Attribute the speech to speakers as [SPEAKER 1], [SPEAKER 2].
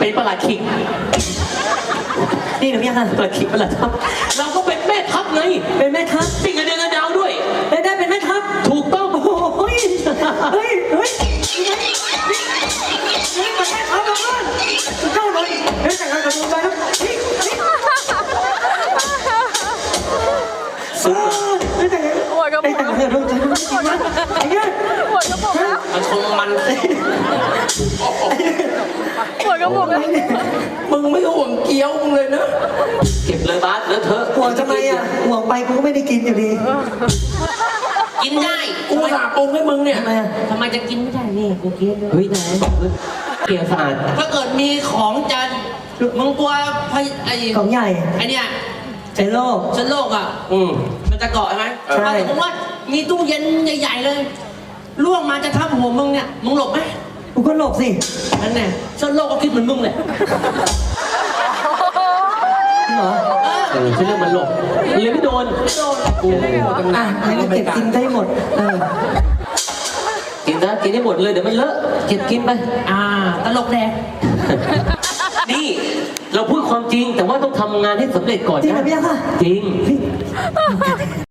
[SPEAKER 1] เป็นประหลัดขิก
[SPEAKER 2] นี่หรือยังคะ
[SPEAKER 1] ประหลัดขิกประหลัดทัพเราก็เป็นแม่ทัพไง
[SPEAKER 2] เป็นแม่ทัพ
[SPEAKER 1] ปิ้งกระเด็นกระดาวด้วย
[SPEAKER 2] ได้เป็นแม่ทัพ
[SPEAKER 1] ถูกต้อง
[SPEAKER 2] โอ้ยเฮ้ยมาแม่ทัพมาบ้านเจ้าหน่อยเฮ้ยแต่งงานกับมึงไปแล้วไม่แต่งงาน
[SPEAKER 3] หัวกระปุกแล้ว
[SPEAKER 2] หัวกระปุกแล้ว
[SPEAKER 3] หัวกระปุกแล้ว
[SPEAKER 1] มันชงมัน
[SPEAKER 3] หัวกระปุกแล้ว
[SPEAKER 1] มึงไม่ห่วงเกี๊ยวมึงเลยนะเก็บเลยบาสแล้วเธอ
[SPEAKER 2] ห่วงทำไมอ่ะห่วงไปกูก็ไม่ได้กินอยู่ดี
[SPEAKER 1] กินได้กูสาปรุงให้มึงเนี่ย
[SPEAKER 2] ทำไม
[SPEAKER 1] จะกินไม่ได้นี่กูกินเฮ้ยไหนเกี่ยวสะอาดถ้าเกิดมีของจะมึงกลัวไอ้
[SPEAKER 2] ของใหญ่
[SPEAKER 1] ไอ้เนี่ย
[SPEAKER 2] เชื้อโรค
[SPEAKER 1] อ่ะมันจะเกาะใช่ไหม
[SPEAKER 2] ใช่
[SPEAKER 1] ผมว่ามีตู้เย็นใหญ่ๆเลยล่วงมาจะทับหัวมึงเนี่ยมึงหลบไหม
[SPEAKER 2] กูก็หลบสิ
[SPEAKER 1] นั่นแน่เชื้อโรคก็คิดเหมือนมึงเลย
[SPEAKER 2] เหรอ
[SPEAKER 1] ใช่เรื่องมันหลบเลยไม่โดนกู
[SPEAKER 2] อ่ะให้มันเก็บกินได้หมด
[SPEAKER 1] กินได้หมดเลยเดี๋ยวมันเลอะเก็บกินไปตลกแดงนี่เราพูดความจริงแต่ว่าต้องทำงานให้สำเร็จก่อนนะ
[SPEAKER 2] จริงไหมพี่คะ
[SPEAKER 1] จริง